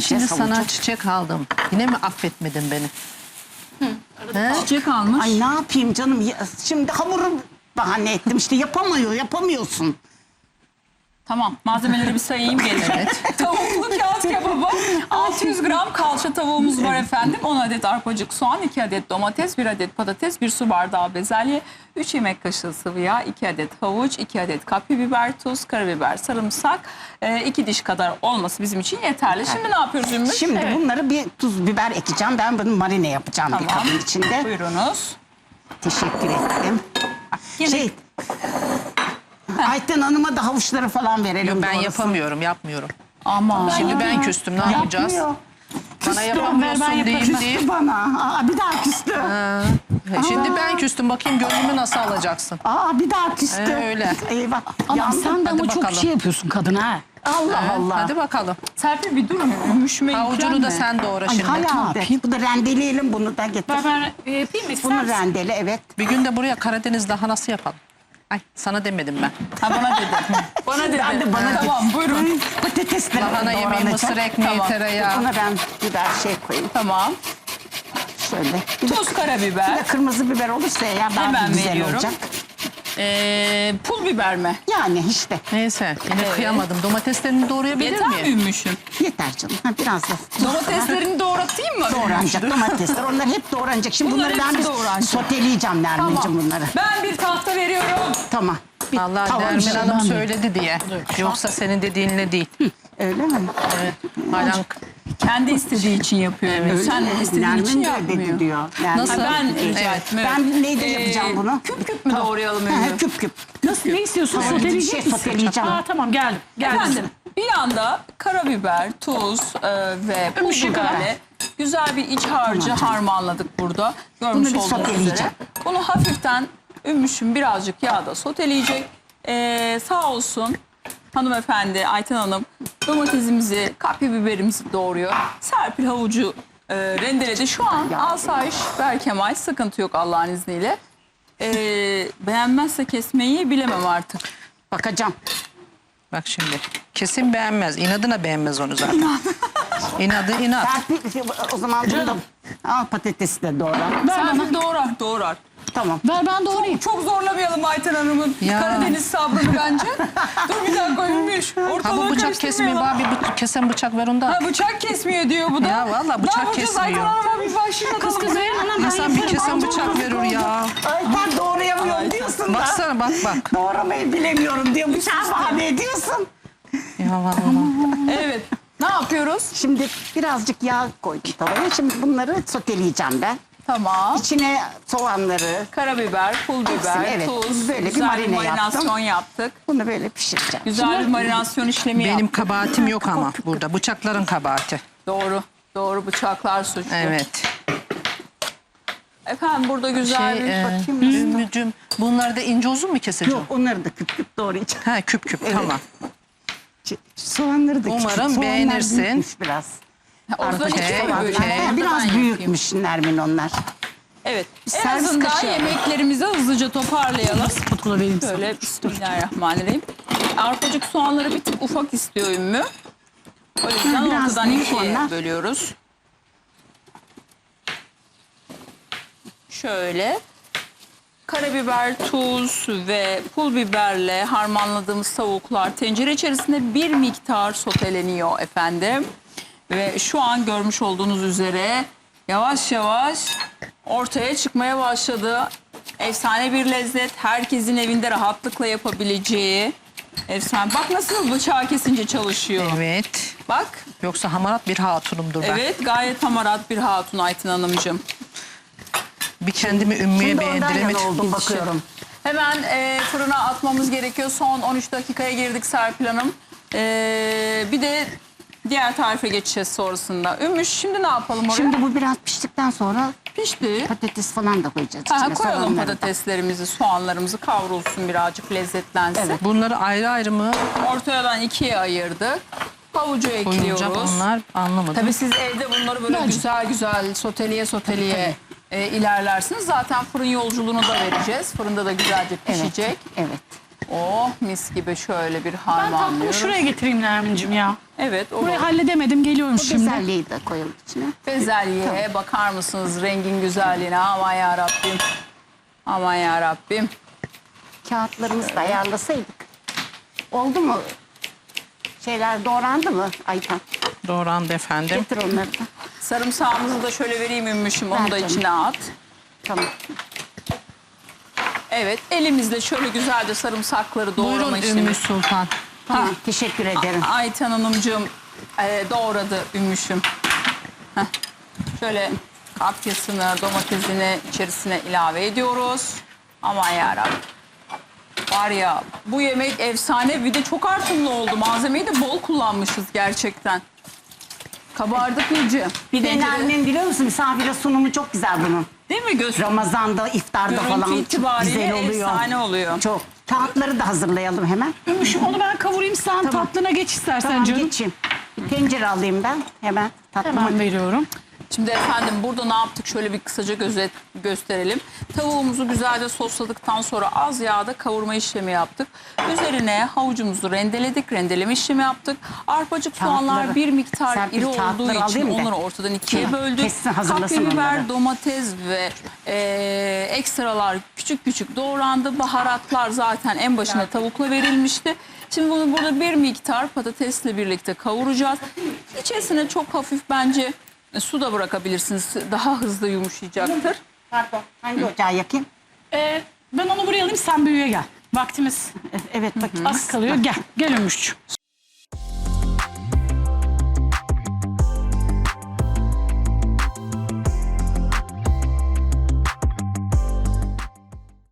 şimdi havucu. sana çiçek aldım. Yine mi affetmedin beni? Çiçek almış. Ay ne yapayım canım? Şimdi hamuru bahane ettim. İşte yapamıyorsun. Tamam, malzemeleri bir sayayım geleceğim. Tavuklu kağıt kebabı, 600 gram kalça tavuğumuz var efendim. 10 adet arpacık soğan, 2 adet domates, 1 adet patates, 1 su bardağı bezelye, 3 yemek kaşığı sıvı yağ, 2 adet havuç, 2 adet kapya biber, tuz, karabiber, sarımsak, 2 diş kadar olması bizim için yeterli. Şimdi ne yapıyoruz Ümmü? Şimdi bunları bir tuz biber ekeceğim. Ben bunu marine yapacağım bir Tamam. kabın içinde. Buyurunuz. Teşekkür ettim. Yine- Ayten Hanım'a da havuçları falan verelim. Ben doğrusu. yapmıyorum. Ama Şimdi ben küstüm, ne yapacağız? Yapmıyor. Bana Küstü, yapamıyorsun ver, ben deyip yaparım. deyip. Küstü bana. Aa, bir daha küstü. Şimdi ben küstüm, bakayım gönlümü nasıl alacaksın? Aa, bir daha küstü. Öyle. Eyvah. Ama yandım. sen de Hadi ama çok bakalım. şey yapıyorsun kadına ha. Allah Allah. Hadi bakalım. Serpil bir durun. Ümmüşüme Havucunu da sen doğra Ay, şimdi. hayal. Bu da rendeleyelim bunu da getir. Ben yapayım mı? Bunu rendele, evet. Bir gün de buraya Karadeniz lahanası yapalım. Ay, sana demedim ben. Ha, bana dedi. Bana dedi. Ben de bana Tamam, buyurun. Patatesler Lahana yemeği, doğranacak. mısır ekmeği, Tamam. tereyağı. Buna ben biber koyayım. Tamam. Şöyle. Bir de, Tuz, bir karabiber. de kırmızı biber olursa eğer daha Hemen güzel veriyorum. olacak. Pul biber mi? Yani işte Neyse, yine kıyamadım. Domateslerini doğrayabilir Yeter mi miyim? Ümmüş'üm? yeter canım. Ha, biraz da Domateslerini doğratayım mı? doğranacak domatesler. Onlar hep doğranacak. Şimdi Bunlar bunları ben hepsi bir doğranacak. soteleyeceğim Nermin'cim bunları. Ben bir tahta veriyorum. Tamam. Bir Allah tava Nermin şey- Hanım söyledi diye. Yoksa senin dediğinle değil. Öyle mi? Halen Kendi istediği için yapıyor. Evet. Sen istediğin için Nermin de dedi yapmıyor. diyor. Yani Nasıl? Ben rica Evet. ettim. evet. Ben neyde yapacağım bunu? Küp küp mü doğrayalım Ha, Ümmü? küp küp. Nasıl, ne istiyorsun? Tamam, Soteleyecek bir şey misin? soteleyeceğim. Ha, tamam geldim. Efendim bir yanda karabiber, tuz ve pul Ümmüş'e biberle güzel bir iç harcı harmanladık burada. Görmüş Bunu bir olduğunuz soteleyeceğim. üzere. Bunu hafiften Ümmüş'ün birazcık yağda soteleyecek. Sağ olsun hanımefendi Ayten Hanım domatesimizi, kapya biberimizi doğruyor. Serpil havucu rendeledi. Şu an asayiş Berkemal, sıkıntı yok Allah'ın izniyle. Beğenmezse kesmeyi bilemem artık. Bakacağım. bak şimdi. Kesin beğenmez. İnadına beğenmez onu zaten. İnadı inat. Serpil, o zaman bunu da al, patatesi de doğra. Serpil doğrar. Tamam. Ver ben doğrayayım. Çok zorlamayalım Ayten Hanım'ın Ya. Karadeniz sabrını bence. Dur bir dakika Ümmüş. Ha bu Ortalığı bıçak kesmiyor. karıştırmayalım. Bana bir kesen bıçak ver onda. Ha bıçak kesmiyor diyor bu da. Ya vallahi bıçak Ne yapacağız Ayten kesmiyor. Hanım'a bir başlayalım. Kız verin anam ben İnsan bir yaparım. kesen bıçak verir ya. Ay ben doğrayamıyorum diyorsun da. Baksana bak. Doğramayı bilemiyorum diyor. Bıçağı bahane ediyorsun. Ya vallahi. Evet. Ne yapıyoruz? Şimdi birazcık yağ koydum tavaya. Şimdi bunları soteleyeceğim ben. Tamam. İçine soğanları, Karabiber, pul biber, Hepsini, evet. tuz. Böyle bir güzel marine marinasyon yaptık. bunu böyle pişireceğim. Güzel bir marinasyon işlemi Benim yaptık. kabahatim yok ama burada. Bıçakların kabahati. Doğru bıçaklar suçlu. Evet. Efendim burada güzel bir bakayım. Ümmücüm, bunları da ince uzun mu keseceğim? Yok onları da küp küp doğrayacağım. Ha küp tamam. Soğanları da Umarım küçük. Soğanlar beğenirsin. büyükmüş biraz. Orada Okey, iki okey. böyle. Ha, biraz Ben büyükmüş Nermin onlar. Evet. En Servis azından kaşığı. yemeklerimizi hızlıca toparlayalım. Spatkula vereyim sana. Şöyle bismillahirrahmanirrahim. Arpacık soğanları bir tık ufak istiyor Ümmü. O yüzden biraz ortadan büyük ikiye onlar. bölüyoruz. Şöyle. Karabiber, tuz ve pul biberle harmanladığımız tavuklar tencere içerisinde bir miktar soteleniyor efendim. Ve şu an görmüş olduğunuz üzere yavaş yavaş ortaya çıkmaya başladı. Efsane bir lezzet. Herkesin evinde rahatlıkla yapabileceği. Efsane. Bak nasıl bıçağı kesince çalışıyor. Evet. Bak. Yoksa hamarat bir hatunumdur ben. Evet gayet hamarat bir hatun Ayten Hanımcığım. Bir kendimi Ümmü'ye Şimdi ondan yana beğendiremedim. oldum bakıyorum. Hemen fırına atmamız gerekiyor. Son 13 dakikaya girdik Serpil Hanım. Bir de diğer tarife geçeceğiz sonrasında. Ümmüş şimdi ne yapalım oraya? Şimdi bu biraz piştikten sonra Pişti. patates falan da koyacağız Ha, içine. koyalım soğanları da. patateslerimizi, soğanlarımızı kavrulsun birazcık lezzetlensin. Evet. Bunları ayrı ayrı mı Ortadan ikiye ayırdık. Havucu koyulacak ekliyoruz. onlar anlamadım. Tabii siz evde bunları böyle güzel soteleye ilerlersiniz. Zaten fırın yolculuğunu da vereceğiz. Fırında da güzelce pişecek. Evet. Oh mis gibi şöyle bir Ben tatlımı harmanlıyoruz. şuraya getireyim Nermin'cim ya. Evet olur. Burayı halledemedim, geliyorum Bu şimdi. bezelyeyi de koyalım içine. Bezelyeye bakar mısınız rengin güzelliğine? Aman ya Rabbim. Aman ya Rabbim. Kağıtlarımızı da ayarlasaydık. Oldu mu? Şeyler doğrandı mı Ayten? Doğrandı efendim. Getir onları da. Sarımsağımızı da şöyle vereyim Ümmüş'üm. Onu Ver da canım. içine at. Tamam. Evet elimizle şöyle güzelce sarımsakları doğrama Buyurun işlemi. Ümmü Sultan. Tamam. Teşekkür ederim. Ayten Hanımcığım doğradı Ümmüş'üm. Heh. Şöyle kapyasını, domatesini içerisine ilave ediyoruz. Aman yarabbim. Var ya bu yemek efsane, bir de çok artımlı oldu. Malzemeyi de bol kullanmışız gerçekten. Kabardık iyice. Bir de Tencere- Nermin biliyor musun? Misafire sunumu çok güzel bunun. Değil mi göz? Ramazan'da, iftarda Görüntü falan çok itibariyle güzel oluyor. efsane oluyor. Çok. Kağıtları da hazırlayalım hemen. Ümmüş'üm onu ben kavurayım, sen tatlına geç istersen Tamam canım. geçeyim. Bir tencere alayım ben hemen. Tatlıma. Hemen veriyorum. Şimdi efendim burada ne yaptık? Şöyle bir kısaca gösterelim. Tavuğumuzu güzelce sosladıktan sonra az yağda kavurma işlemi yaptık. Üzerine havucumuzu rendeledik. Rendeleme işlemi yaptık. Arpacık soğanlar Kağıtları. bir miktar Serpil, iri olduğu kağıtları için alayım da. onları ortadan ikiye Tamam, böldük. kessin, hazırlasın Kapya biber, onları. domates ve ekstralar küçük küçük doğrandı. Baharatlar zaten en başına tavukla verilmişti. Şimdi bunu burada bir miktar patatesle birlikte kavuracağız. İçerisine çok hafif bence su da bırakabilirsiniz. Daha hızlı yumuşayacaktır. Pardon. Hangi ocağı yakayım? Ben onu buraya alayım, sen büyüye gel. Vaktimiz Evet bakayım. az kalıyor. Gel Ümmüş'cüğüm.